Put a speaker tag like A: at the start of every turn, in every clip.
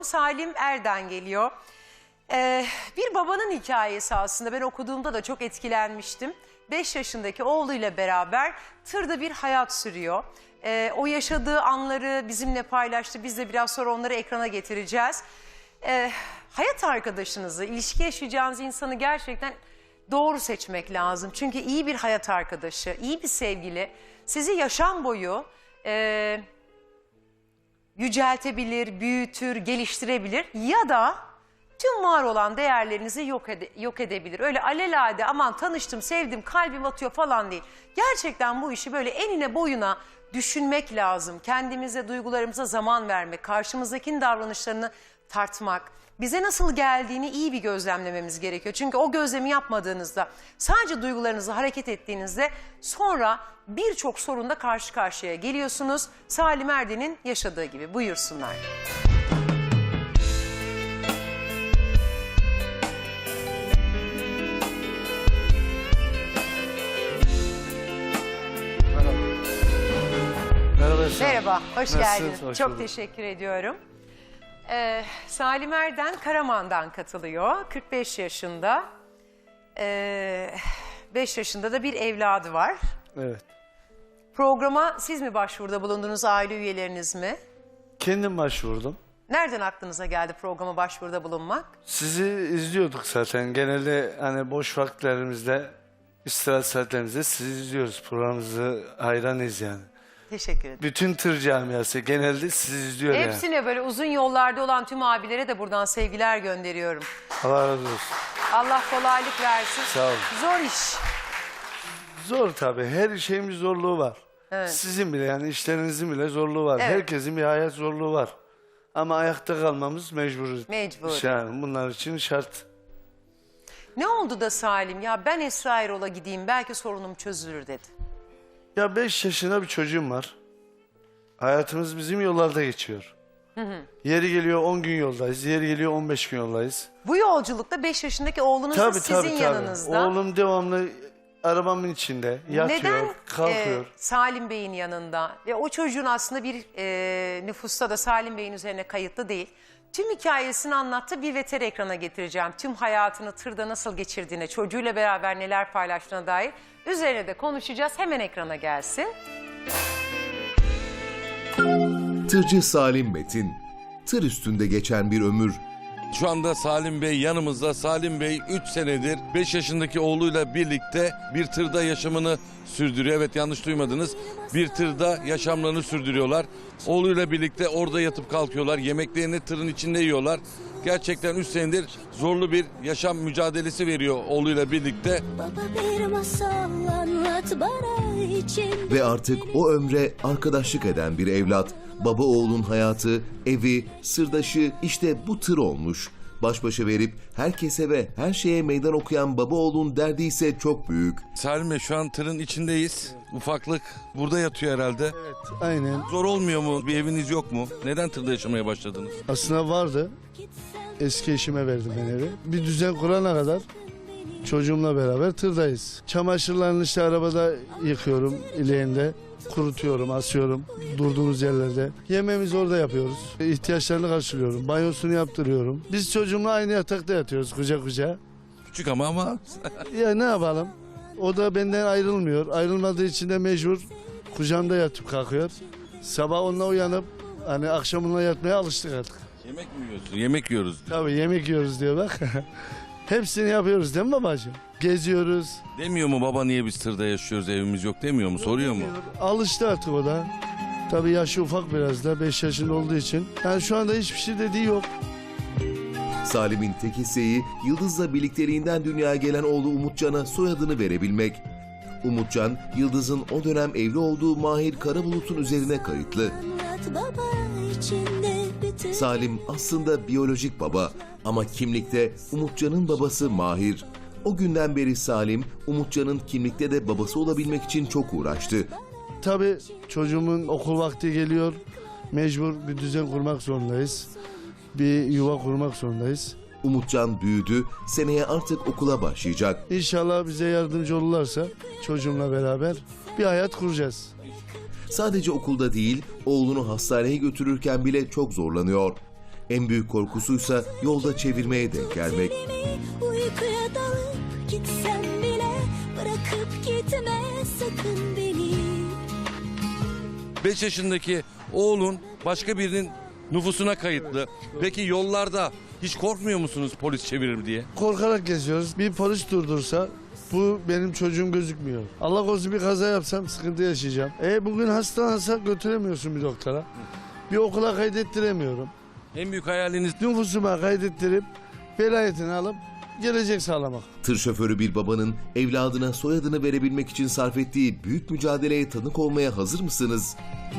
A: Salim Erden geliyor. Bir babanın hikayesi aslında. Ben okuduğumda da çok etkilenmiştim. 5 yaşındaki oğluyla beraber tırda bir hayat sürüyor. O yaşadığı anları bizimle paylaştı. Biz de biraz sonra onları ekrana getireceğiz. Hayat arkadaşınızı, ilişki yaşayacağınız insanı gerçekten doğru seçmek lazım. Çünkü iyi bir hayat arkadaşı, iyi bir sevgili sizi yaşam boyu yüceltebilir, büyütür, geliştirebilir ya da tüm var olan değerlerinizi yok edebilir. Öyle alelade aman tanıştım, sevdim, kalbim atıyor falan değil. Gerçekten bu işi böyle enine boyuna düşünmek lazım. Kendimize, duygularımıza zaman vermek, karşımızdakinin davranışlarını tartmak, bize nasıl geldiğini iyi bir gözlemlememiz gerekiyor. Çünkü o gözlemi yapmadığınızda, sadece duygularınızı hareket ettiğinizde sonra birçok sorunla karşı karşıya geliyorsunuz. Salim Erden'in yaşadığı gibi. Buyursunlar. Merhaba, hoş geldiniz.
B: Hoş
A: Çok
B: bulduk.
A: teşekkür ediyorum. Salim Erden Karaman'dan katılıyor. 45 yaşında. 5 yaşında da bir evladı var.
B: Evet.
A: Programa siz mi başvuruda bulundunuz, aile üyeleriniz mi?
B: Kendim başvurdum.
A: Nereden aklınıza geldi programa başvuruda bulunmak?
B: Sizi izliyorduk zaten. Genelde hani boş vakitlerimizde, istirahat saatlerimizde sizi izliyoruz. Programınızı hayranıyız yani.
A: Teşekkür ederim.
B: Bütün tır camiası genelde sizi izliyor yani.
A: Hepsine böyle uzun yollarda olan tüm abilere de buradan sevgiler gönderiyorum.
B: Allah razı olsun.
A: Allah kolaylık versin.
B: Sağ olun.
A: Zor iş.
B: Zor tabii. Her şeyin bir zorluğu var.
A: Evet.
B: Sizin bile yani işlerinizin bile zorluğu var.
A: Evet.
B: Herkesin bir hayat zorluğu var. Ama ayakta kalmamız mecbur.
A: Mecbur.
B: Yani bunlar için şart.
A: Ne oldu da Salim ya ben Esra Erol'a gideyim belki sorunum çözülür dedi.
B: Ya 5 yaşında bir çocuğum var. Hayatımız bizim yollarda geçiyor. Yeri geliyor 10 gün yoldayız, yeri geliyor 15 gün yoldayız.
A: Bu yolculukta 5 yaşındaki oğlunuz da sizin yanınızda.
B: Oğlum devamlı arabamın içinde yatıyor,
A: Neden
B: kalkıyor.
A: Salim Bey'in yanında ve o çocuğun aslında bir nüfusta da Salim Bey'in üzerine kayıtlı değil. Tüm hikayesini anlattı, bir veter ekrana getireceğim. Tüm hayatını tırda nasıl geçirdiğine, çocuğuyla beraber neler paylaştığına dair üzerine de konuşacağız. Hemen ekrana gelsin.
C: Tırcı Salim Metin, tır üstünde geçen bir ömür,
D: Şu anda Salim Bey yanımızda. Salim Bey 3 senedir 5 yaşındaki oğluyla birlikte bir tırda yaşamını sürdürüyor. Evet, yanlış duymadınız. Bir tırda yaşamlarını sürdürüyorlar. Oğluyla birlikte orada yatıp kalkıyorlar. Yemeklerini tırın içinde yiyorlar. Gerçekten 3 senedir zorlu bir yaşam mücadelesi veriyor oğluyla birlikte.
E: Baba bir masal anlat bana için.
C: ve artık o ömre arkadaşlık eden bir evlat. Baba oğlun hayatı, evi, sırdaşı işte bu tır olmuş. Baş başa verip herkese ve her şeye meydan okuyan baba oğlun derdi ise çok büyük.
D: Salim Bey, şu an tırın içindeyiz. Ufaklık burada yatıyor herhalde.
B: Evet, aynen.
D: Zor olmuyor mu? Bir eviniz yok mu? Neden tırda yaşamaya başladınız?
B: Aslında vardı. Eski eşime verdim ben evi. Bir düzen kurana kadar çocuğumla beraber tırdayız. Çamaşırlarını işte arabada yıkıyorum ileğinde. Kurutuyorum, asıyorum durduğumuz yerlerde. Yemeğimizi orada yapıyoruz. İhtiyaçlarını karşılıyorum. Banyosunu yaptırıyorum. Biz çocuğumla aynı yatakta yatıyoruz kucak kucağa.
D: Küçük ama
B: Ya ne yapalım? O da benden ayrılmıyor. Ayrılmadığı için de mecbur kucağımda yatıp kalkıyor. Sabah onunla uyanıp hani akşam onunla yatmaya alıştık artık.
D: yemek mi yiyorsun? Yemek yiyoruz.
B: Tabii yemek yiyoruz diyor bak. Hepsini yapıyoruz değil mi babacığım? Geziyoruz.
D: Demiyor mu baba, niye biz tırda yaşıyoruz, evimiz yok demiyor mu? Soruyor mu?
B: Alıştı artık o da. Tabii yaşı ufak biraz da 5 yaşında olduğu için. Yani şu anda hiçbir şey dediği yok.
C: Salim'in tek isteği Yıldız'la birlikteliğinden dünyaya gelen oğlu Umutcan'a soyadını verebilmek. Umutcan, Yıldız'ın o dönem evli olduğu Mahir Karabulut'un üzerine kayıtlı.
E: Anlat baba içinde bütün.
C: Salim aslında biyolojik baba ama kimlikte Umutcan'ın babası Mahir. O günden beri Salim, Umutcan'ın kimlikte de babası olabilmek için çok uğraştı.
B: Tabii çocuğumun okul vakti geliyor. Mecbur bir düzen kurmak zorundayız. Bir yuva kurmak zorundayız.
C: Umutcan büyüdü, seneye artık okula başlayacak.
B: İnşallah bize yardımcı olurlarsa çocuğumla beraber bir hayat kuracağız.
C: Sadece okulda değil, oğlunu hastaneye götürürken bile çok zorlanıyor. En büyük korkusuysa yolda çevirmeye denk gelmek.
E: Uykuya dalıp gitsem bile bırakıp gitme sakın beni.
D: 5 yaşındaki oğlun başka birinin nüfusuna kayıtlı. Peki yollarda hiç korkmuyor musunuz polis çevirir diye?
B: Korkarak geziyoruz. Bir polis durdursa bu benim çocuğum gözükmüyor. Allah korusun bir kaza yapsam sıkıntı yaşayacağım. Bugün hastalansa götüremiyorsun bir doktora. Bir okula kaydettiremiyorum.
D: En büyük hayaliniz
B: Nüfusuma kaydettirip velayetini alıp gelecek sağlamak.
C: Tır şoförü bir babanın evladına soyadını verebilmek için sarf ettiği büyük mücadeleye tanık olmaya hazır mısınız?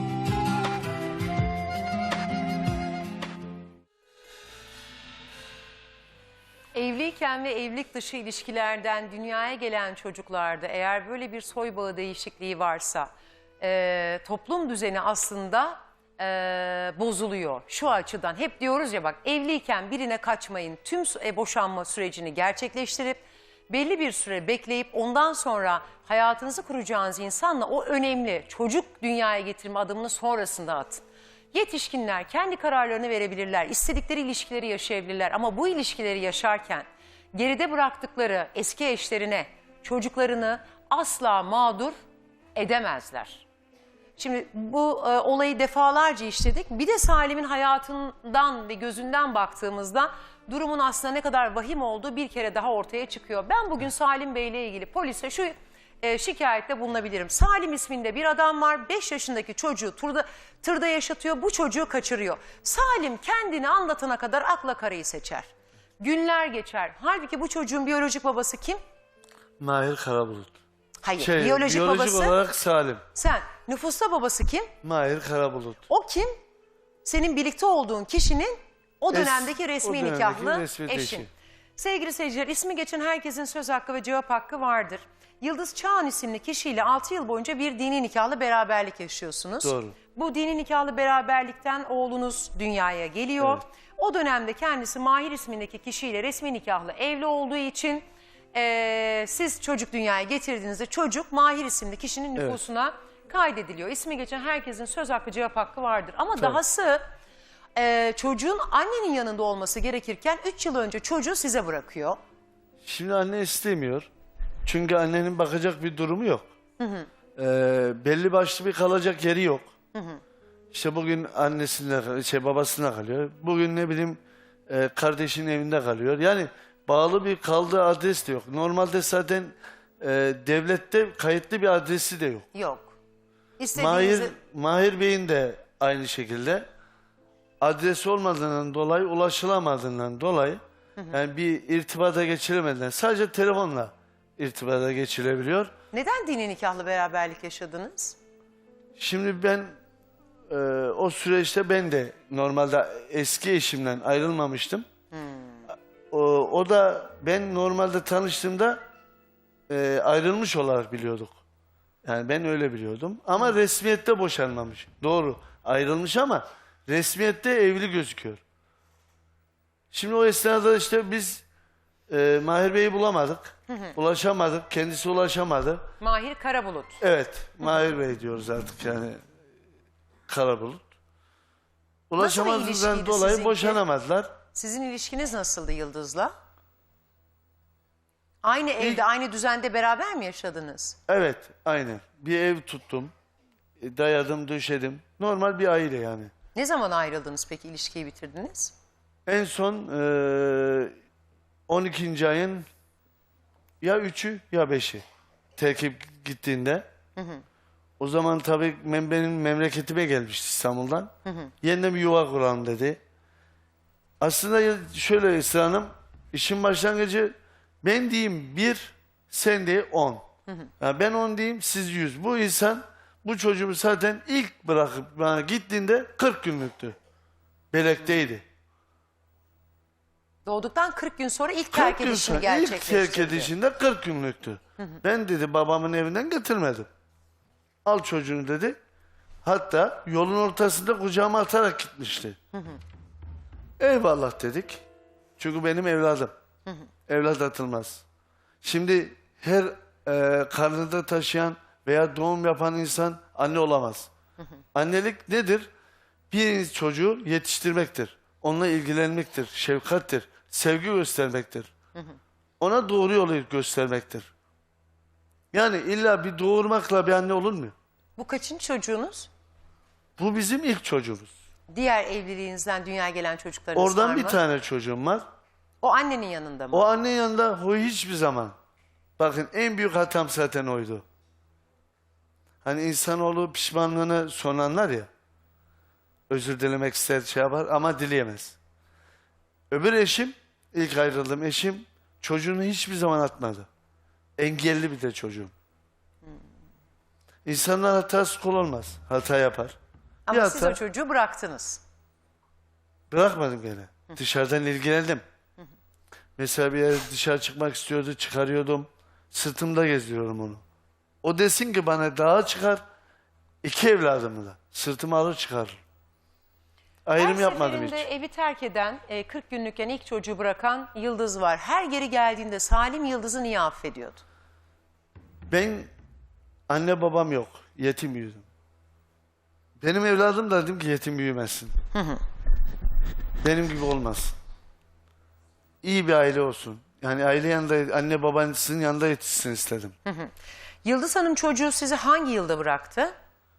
A: Evliyken ve evlilik dışı ilişkilerden dünyaya gelen çocuklarda eğer böyle bir soy bağı değişikliği varsa toplum düzeni aslında bozuluyor. Şu açıdan hep diyoruz ya bak evliyken birine kaçmayın, tüm boşanma sürecini gerçekleştirip belli bir süre bekleyip ondan sonra hayatınızı kuracağınız insanla o önemli çocuk dünyaya getirme adımını sonrasında atın. Yetişkinler kendi kararlarını verebilirler, istedikleri ilişkileri yaşayabilirler ama bu ilişkileri yaşarken geride bıraktıkları eski eşlerine çocuklarını asla mağdur edemezler. Şimdi bu olayı defalarca işledik. Bir de Salim'in hayatından ve gözünden baktığımızda durumun aslında ne kadar vahim olduğu bir kere daha ortaya çıkıyor. Ben bugün Salim Bey ile ilgili polise şu şikayette bulunabilirim. Salim isminde bir adam var. 5 yaşındaki çocuğu tırda yaşatıyor. Bu çocuğu kaçırıyor. Salim kendini anlatana kadar akla karayı seçer. Günler geçer. Halbuki bu çocuğun biyolojik babası kim?
B: Mahir Karabulut.
A: Hayır. Biyolojik babası
B: olarak Salim.
A: sen. Nüfusta babası kim?
B: Mahir Karabulut.
A: O kim? Senin birlikte olduğun kişinin o dönemdeki
B: o
A: resmi
B: dönemdeki
A: nikahlı
B: resmi
A: eşin.
B: eşi.
A: Sevgili seyirciler, ismi geçen herkesin söz hakkı ve cevap hakkı vardır. Yıldız Çağan isimli kişiyle 6 yıl boyunca bir dini nikahlı beraberlik yaşıyorsunuz.
B: Doğru.
A: Bu dini nikahlı beraberlikten oğlunuz dünyaya geliyor.
B: Evet.
A: O dönemde kendisi Mahir ismindeki kişiyle resmi nikahlı evli olduğu için siz çocuk dünyaya getirdiğinizde çocuk Mahir isimli kişinin nüfusuna kaydediliyor. İsmi geçen herkesin söz hakkı cevap hakkı vardır. Ama dahası çocuğun annenin yanında olması gerekirken 3 yıl önce çocuğu size bırakıyor.
B: Şimdi anne istemiyor. Çünkü annenin bakacak bir durumu yok. Belli başlı bir kalacak yeri yok. İşte bugün annesinde, babasına kalıyor. Bugün ne bileyim kardeşinin evinde kalıyor. Yani bağlı bir kaldığı adres de yok. Normalde zaten devlette kayıtlı bir adresi de yok.
A: Yok. İstediğinizi...
B: Mahir Bey'in de aynı şekilde adresi olmadığından dolayı, ulaşılamadığından dolayı yani bir irtibata geçiremediler. Sadece telefonla irtibata geçirebiliyor.
A: Neden dini nikahlı beraberlik yaşadınız?
B: Şimdi ben o süreçte ben de normalde eski eşimden ayrılmamıştım. O da ben normalde tanıştığımda ayrılmış olarak biliyorduk. Yani ben öyle biliyordum. Ama resmiyette boşanmamış. Doğru ayrılmış ama resmiyette evli gözüküyor. Şimdi o esnada işte biz Mahir Bey'i bulamadık. Ulaşamadık. Kendisi ulaşamadı.
A: Mahir Karabulut.
B: Evet. Mahir Bey diyoruz artık yani. Karabulut. Ulaşamadığından
A: ilişkiydi
B: dolayı
A: sizinki?
B: boşanamadılar.
A: Sizin ilişkiniz nasıldı Yıldız'la? Aynı evde, aynı düzende beraber mi yaşadınız?
B: Evet. Aynen. Bir ev tuttum. Dayadım, döşedim. Normal bir aile yani.
A: Ne zaman ayrıldınız peki, ilişkiyi bitirdiniz?
B: En son 12. ayın ya 3'ü ya 5'i terkip gittiğinde. O zaman tabii benim memleketime gelmişti İstanbul'dan. Yeniden bir yuva kuralım dedi. Aslında şöyle Esra Hanım, işin başlangıcı ben diyeyim 1, sen de 10. Yani ben 10 diyeyim, siz 100. Bu insan bu çocuğumu zaten ilk bırakıp bana gittiğinde 40 günlüktü. Belekteydi.
A: Doğduktan 40 gün sonra ilk terk edişini
B: İlk
A: gerçekleştirdi.
B: terk edişinde 40 günlüktü. Ben dedi babamın evinden getirmedim. Al çocuğunu dedi. Hatta yolun ortasında kucağıma atarak gitmişti. Eyvallah dedik. Çünkü benim evladım. Evlat atılmaz. Şimdi her karnında taşıyan veya doğum yapan insan anne olamaz. Annelik nedir? Bir çocuğu yetiştirmektir. onunla ilgilenmektir, şefkattir, sevgi göstermektir. Ona doğru yolu göstermektir. Yani illa bir doğurmakla bir anne olur mu?
A: Bu kaçıncı çocuğunuz?
B: Bu bizim ilk çocuğumuz.
A: Diğer evliliğinizden dünyaya gelen çocuklarınız var
B: Oradan
A: mı?
B: bir tane çocuğum var.
A: O annenin yanında mı?
B: O anne yanında o hiçbir zaman. Bakın en büyük hatam zaten oydu. Hani insanoğlu pişmanlığını son anlar ya. Özür dilemek ister şey yapar ama dileyemez. Öbür eşim, ilk ayrıldığım eşim çocuğunu hiçbir zaman atmadı. Engelli bir de çocuğum. İnsanlar hatası kul olmaz. Hata yapar.
A: Ama
B: Bir
A: siz o
B: hata
A: çocuğu bıraktınız.
B: bırakmadım gene. Dışarıdan ilgilendim. Mesela bir yere dışarı çıkmak istiyordu, çıkarıyordum. Sırtımda gezdiriyorum onu. O desin ki bana dağa çıkar, 2 evladımı da. Sırtıma alır çıkarır. Ayrım
A: Her
B: yapmadım hiç.
A: seferinde evi terk eden, 40 günlükken ilk çocuğu bırakan Yıldız var. Her geri geldiğinde Salim Yıldız'ı niye affediyordu?
B: Ben anne babam yok. Yetim büyüdüm. Benim evladım da dedim ki yetim büyümesin. Benim gibi olmaz. İyi bir aile olsun. Yani aile yanında, anne babanızın yanında yetişsin istedim.
A: Yıldız Hanım çocuğu sizi hangi yılda bıraktı?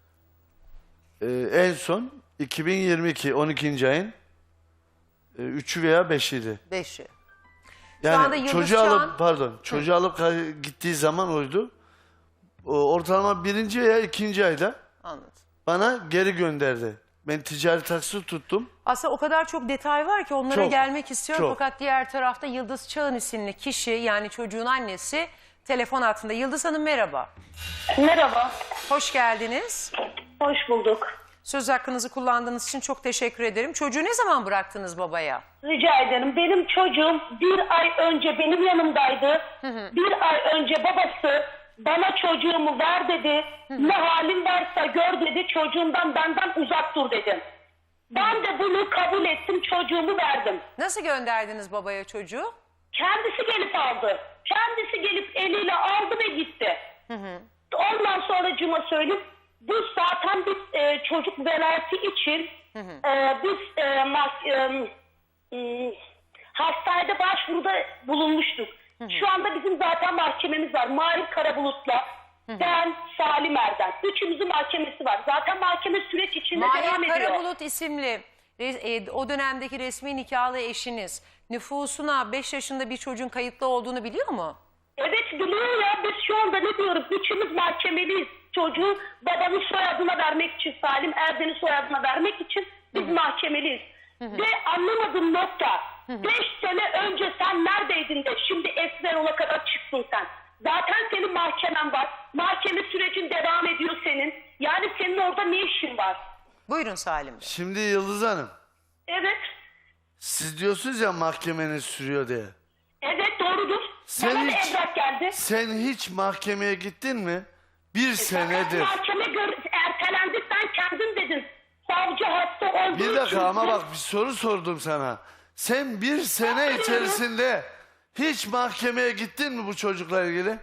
B: En son 2022 12. ayın 3'ü veya 5'iydi.
A: 5'i.
B: Yani
A: anda Yıldız
B: çocuğu
A: şu
B: alıp
A: an-
B: çocuğu alıp gittiği zaman oydu. Ortalama 1. veya 2. ayda
A: Anladım.
B: bana geri gönderdi. Ben ticari taksi tuttum.
A: Aslında o kadar çok detay var ki onlara
B: Çok,
A: gelmek istiyorum.
B: çok.
A: Fakat diğer tarafta Yıldız Çağın isimli kişi, yani çocuğun annesi telefon altında. Yıldız Hanım merhaba.
F: Merhaba,
A: Hoş geldiniz.
F: hoş bulduk.
A: Söz hakkınızı kullandığınız için çok teşekkür ederim. Çocuğu ne zaman bıraktınız babaya?
F: Rica ederim. Benim çocuğum 1 ay önce benim yanımdaydı. 1 ay önce babası bana çocuğumu ver dedi. Ne halin varsa gör dedi. Çocuğumdan benden uzak dur dedim. Ben de bunu kabul ettim. Çocuğumu verdim.
A: Nasıl gönderdiniz babaya çocuğu?
F: Kendisi gelip aldı. Kendisi gelip eliyle aldı ve gitti. Ondan sonra cuma söyleyeyim. Bu zaten biz çocuk velayeti için biz hastanede başvuruda bulunmuştuk. Şu anda bizim zaten mahkememiz var. Mahir Karabulut'la ben, Salim Erdem. Üçümüzün mahkemesi var. Zaten mahkeme süreç içinde devam
A: Mahir
F: ediyor.
A: Karabulut isimli o dönemdeki resmi nikahlı eşiniz nüfusuna 5 yaşında bir çocuğun kayıtlı olduğunu biliyor mu?
F: Evet biliyor ya, biz şu anda ne diyoruz? Üçümüz mahkemeliyiz. Çocuğu babanın soyadına vermek için, Salim Erdem'in soyadına vermek için biz mahkemeliyiz. Ve anlamadığım nokta, 5 sene önce sen neredeydin de şimdi Esmer ola kadar çıktın sen. Zaten senin mahkemen var. Mahkeme sürecin devam ediyor senin. Yani senin orada ne işin var?
A: Buyurun Salim Bey.
B: Şimdi Yıldız Hanım,
F: Evet,
B: siz diyorsunuz ya mahkemeniz sürüyor diye.
F: evet doğrudur.
B: Sen
F: Bana da
B: hiç-
F: evrak geldi.
B: Sen hiç mahkemeye gittin mi? 1 senedir.
F: Mahkeme ertelendi, sen kendin dedin. Savcı hasta olduğu
B: Bir
F: için.
B: dakika ama bak bir soru sordum sana. Sen 1 sene içerisinde hiç mahkemeye gittin mi bu çocukla ilgili?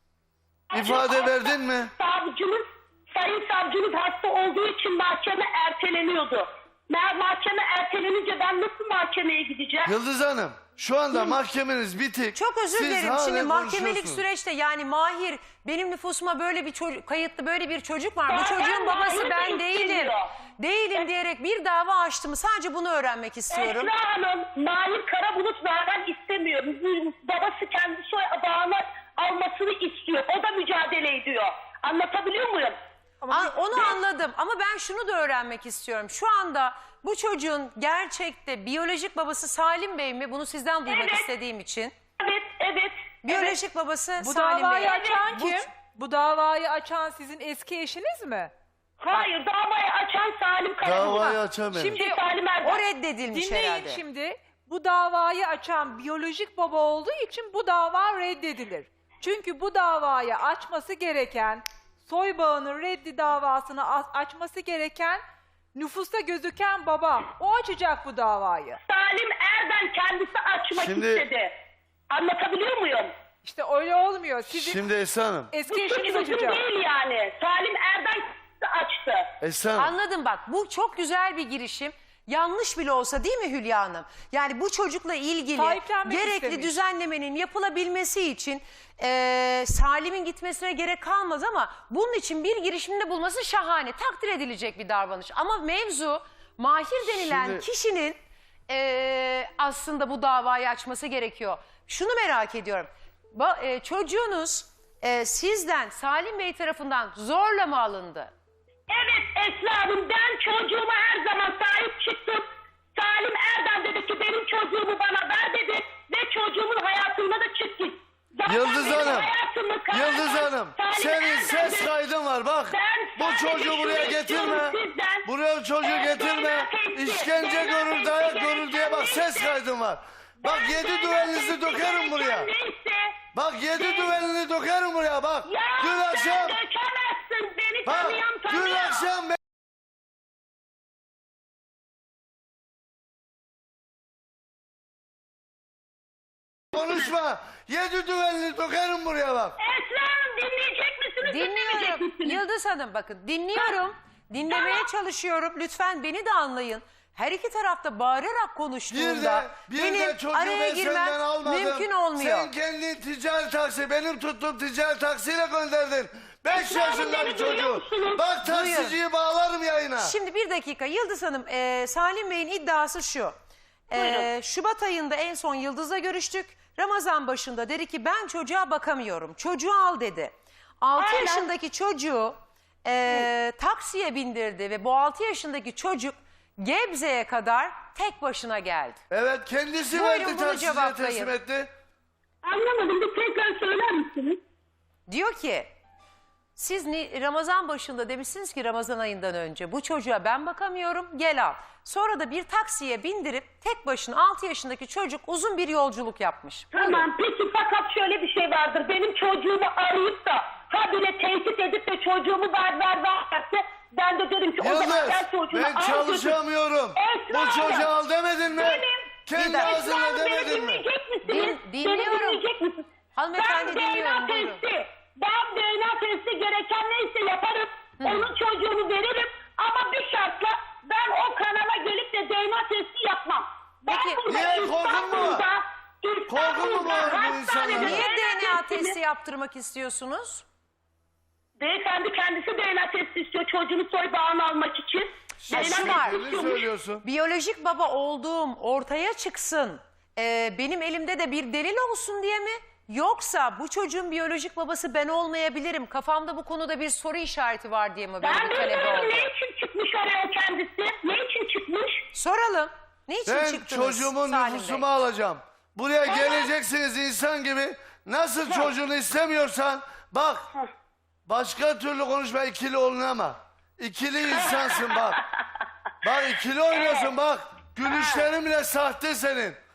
B: İfade verdin mi?
F: Sayın savcımız hasta olduğu için mahkeme erteleniyordu. Mahkeme ertelenince ben nasıl mahkemeye gideceğim?
B: Yıldız Hanım, şu anda mahkemeniz bitik.
A: Çok özür
B: Siz
A: dilerim.
B: hala
A: Şimdi mahkemelik
B: konuşuyorsunuz.
A: süreçte yani Mahir benim nüfusuma böyle bir çocuk, kayıtlı böyle bir çocuk var. Bu
F: Zaten
A: çocuğun babası
F: Mahir
A: ben
F: de
A: değilim.
F: istemiyor.
A: Değilim diyerek bir dava açtı mı? Sadece bunu öğrenmek istiyorum.
F: Esra Hanım, Mahir Karabulut zaten istemiyor. Babası kendi bağını almasını istiyor. O da mücadele ediyor. Anlatabiliyor muyum?
A: Onu anladım ama ben şunu da öğrenmek istiyorum. Şu anda bu çocuğun gerçekte biyolojik babası Salim Bey mi? Bunu sizden duymak
F: Evet.
A: istediğim için.
F: Evet, evet.
A: Biyolojik babası
G: Bu
A: Salim Bey.
G: davayı açan
A: Bu-
G: kim? Bu davayı açan sizin eski eşiniz mi?
F: Hayır, davayı açan Salim Karabulut.
B: Davayı açan benim.
G: Şimdi
F: Salim Erdem.
A: O reddedilmiş
G: dinleyin
A: herhalde.
G: şimdi. Bu davayı açan biyolojik baba olduğu için bu dava reddedilir. Çünkü bu davayı açması gereken, soy bağının reddi davasını açması gereken nüfusta gözüken baba. O açacak bu davayı.
F: Salim Erdem kendisi açmak
B: Şimdi-
F: istedi. Anlatabiliyor muyum?
G: İşte öyle olmuyor. Sizin
B: Şimdi Esra Hanım,
G: eski
F: Bu
G: eşiniz
F: suç bizim
G: açacak.
F: değil yani. Salim Erdem açtı.
B: Esra Hanım.
A: Anladım bak bu çok güzel bir girişim. Yanlış bile olsa değil mi Hülya Hanım? Yani bu çocukla ilgili
G: Sahiplenmek
A: gerekli
G: istemiş.
A: düzenlemenin yapılabilmesi için Salim'in gitmesine gerek kalmaz ama bunun için bir girişimde bulması şahane, takdir edilecek bir davranış. Ama mevzu Mahir denilen
B: Şimdi-
A: kişinin aslında bu davayı açması gerekiyor. Şunu merak ediyorum. Çocuğunuz sizden, Salim Bey tarafından zorla mı alındı?
F: Evet Esra Hanım, ben çocuğuma her zaman sahip çıktım. Salim Erdem dedi ki benim çocuğumu bana ver dedi ve çocuğumun hayatında da çık git. Zaten
B: Yıldız
F: benim
B: Hanım,
F: hayatımı
B: Yıldız Hanım,
F: Salim
B: senin
F: Erdem
B: ses
F: dedi.
B: kaydın var bak.
F: Ben
B: Bu
F: sadece
B: çocuğu
F: şunu
B: buraya
F: istiyorum
B: getirme.
F: sizden.
B: Buraya çocuğu getirme. İşkence görür, dayak görür diye bak ses kaydın var. Bak
F: Ben
B: 7
F: böyle
B: düvelinizi
F: tepki
B: dökerim buraya.
F: gereken neyse,
B: Bak 7 düvelini dökerim buraya bak.
F: ya
B: Dün
F: sen
B: akşam,
F: dökemezsin, beni
B: bak
F: tanıyan tanıyor.
B: dün akşam konuşma. 7 düvelini dökerim buraya bak.
F: Esra Hanım dinleyecek misiniz? dinlemeyecek
A: Dinliyorum.
F: misiniz?
A: Yıldız Hanım bakın dinliyorum. Dinlemeye çalışıyorum. Lütfen beni de anlayın. Her iki tarafta bağırarak konuştuğunda
B: Bir
A: benim
B: de çocuğu
A: araya
B: ben
A: girmem
B: senden almadım.
A: mümkün olmuyor.
B: Sen kendin ticari taksi, benim tuttuğum ticari taksiyle gönderdin. 5
F: Esra Hanım,
B: yaşında
F: beni
B: bir
F: duyuyor
B: çocuğu.
F: musunuz?
B: Bak taksiciyi bağlarım yayına.
A: Şimdi bir dakika Yıldız Hanım, Salim Bey'in iddiası şu.
F: Buyurun.
A: Şubat ayında en son Yıldız'la görüştük. Ramazan başında dedi ki ben çocuğa bakamıyorum. Çocuğu al dedi. 6
F: Aynen.
A: yaşındaki çocuğu taksiye bindirdi ve bu 6 yaşındaki çocuk Gebze'ye kadar tek başına geldi.
B: Evet kendisi
A: Buyurun,
B: verdi
A: bunu
B: taksiciye
A: cevaplayın.
B: teslim etti.
F: Anlamadım, bir tekrar söyler misiniz?
A: Diyor ki siz Ramazan başında demişsiniz ki Ramazan ayından önce bu çocuğa ben bakamıyorum gel al. Sonra da bir taksiye bindirip tek başına 6 yaşındaki çocuk uzun bir yolculuk yapmış.
F: Tamam, peki fakat şöyle bir şey vardır. Benim çocuğumu arayıp da habire tehdit edip de çocuğumu verse ben de derim ki o zaman
B: Yıldız
F: sen çocuğunu
B: ben
F: al götür.
B: çalışamıyorum.
F: Esra
B: Bu
F: Hanım,
B: çocuğu al demedin mi?
F: benim-
B: Kendi
A: Esra
B: ağzınla
F: Esra Hanım, beni
B: demedin mi?
F: dinleyecek misiniz?
A: Dinliyorum.
F: Beni dinleyecek misiniz?
A: Hanımefendi,
F: Ben
A: dinliyorum,
F: DNA
A: buyurun.
F: testi, ben DNA testi gereken neyse yaparım. Onun çocuğunu veririm ama bir şartla ben o kanala gelip de DNA testi yapmam. Ben
A: Peki,
F: burada
B: niye? Korkun mu var? Korkun mu var bu
F: hastanede
B: insanların?
A: Niye DNA
F: testini-
A: testi yaptırmak istiyorsunuz?
F: Beyefendi kendisi DNA testi istiyor çocuğunu soy bağını almak için.
A: Ya şu var.
B: Ne söylüyorsun?
A: Biyolojik baba olduğum ortaya çıksın. Benim elimde de bir delil olsun diye mi? Yoksa bu çocuğun biyolojik babası ben olmayabilirim. Kafamda bu konuda bir soru işareti var diye mi böyle
F: Ben
A: bir talep
F: bilmiyorum
A: oldu?
F: ne için çıkmış oraya kendisi? Ne için çıkmış?
A: Soralım. Niçin
B: Ben
A: çıktınız
B: çocuğumun
A: Salim
B: nüfusumu
A: Bey?
B: alacağım. Buraya geleceksiniz insan gibi. Nasıl çocuğunu istemiyorsan bak. Başka türlü konuşma, ikili olunama. İkili insansın bak. Bak ikili oynuyorsun bak. Gülüşlerin bile sahte senin.